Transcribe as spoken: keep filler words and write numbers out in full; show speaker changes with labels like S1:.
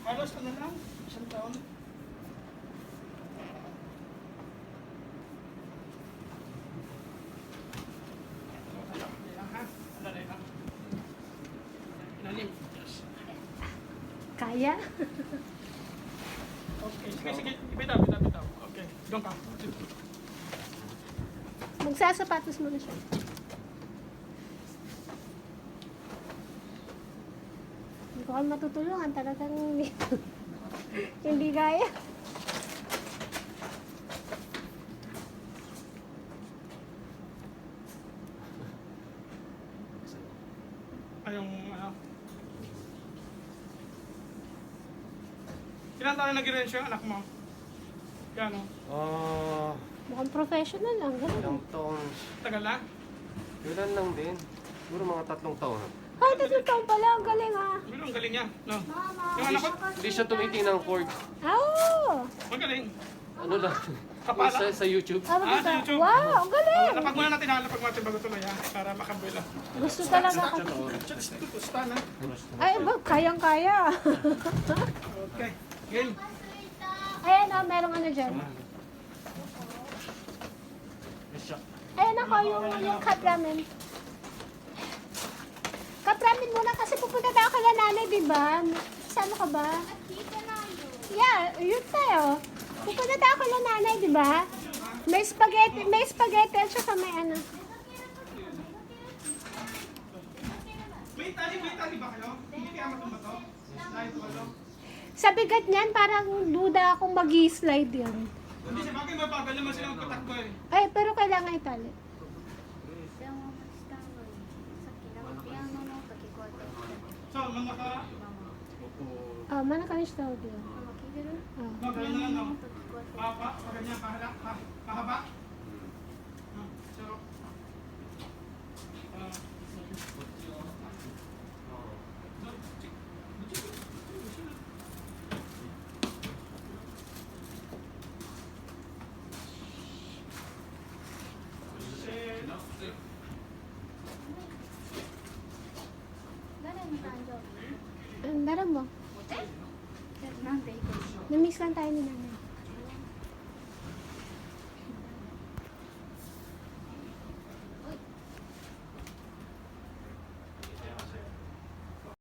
S1: Halos ano lang, isang taon.
S2: Kaya?
S1: Okay, sige, sige. Bitaw, bitaw, bitaw. Okay, doon ka.
S2: Magsasapatos mo na siya. Hindi ko kami matutulungan. Talagang hindi, hindi kaya.
S1: Ay, yung ano. Ilan taon na nag-rent yung anak mo? Gano?
S3: Ah,
S2: Mukhang professional lang. Ganun.
S3: ilang taon.
S1: Tagal na?
S3: Kailan lang din. Siguro mga tatlong taon.
S2: Ay, tatlong taon pala. Ang galing ah.
S1: Pero ang galing niya, no?
S2: Mama.
S1: Yung anak ko,
S3: Hindi siya tumiting ng cord.
S2: Ah, oo.
S1: magaling.
S3: Ano lang.
S1: Kapala.
S3: Sa, sa YouTube.
S2: Ah,
S1: Ah, sa
S2: maganda.
S1: YouTube.
S2: Wow, ang galing.
S1: Lapag muna natin ha, lapag natin bago tuloy ha, para makabuela.
S2: Gusto talaga ka.
S1: Just ito, stand ha.
S2: Ay, ba, kayang-kaya.
S1: Okay, game.
S2: Ayan oh, merong ano dyan. Ayan ako, yung, yung cup ramen. Cup ramen muna kasi pupunta tayo kala nanay, di ba? Sama ka ba? Yeah, yun tayo. Pupunta tayo kala nanay, di ba? May spaghetti, may spaghetti at saka may ano.
S1: May tali, may tali ba kayo? Hindi kaya matumba to? Dahil to ano?
S2: Sa bigat niyan, parang duda akong mag-slide yun.
S1: Hindi sa bagay, mabagal naman sila magpatakbo eh.
S2: Ay, pero kailangan itali.
S1: So, mga ka,
S2: Oh, mana ka niya tawag yun. Oh.
S1: magaling na lang no? Papa, paganyan, pahala, pa, pahaba. Ah, So, ah,
S2: Ang dara mo. Na-miss lang tayo ni nanay.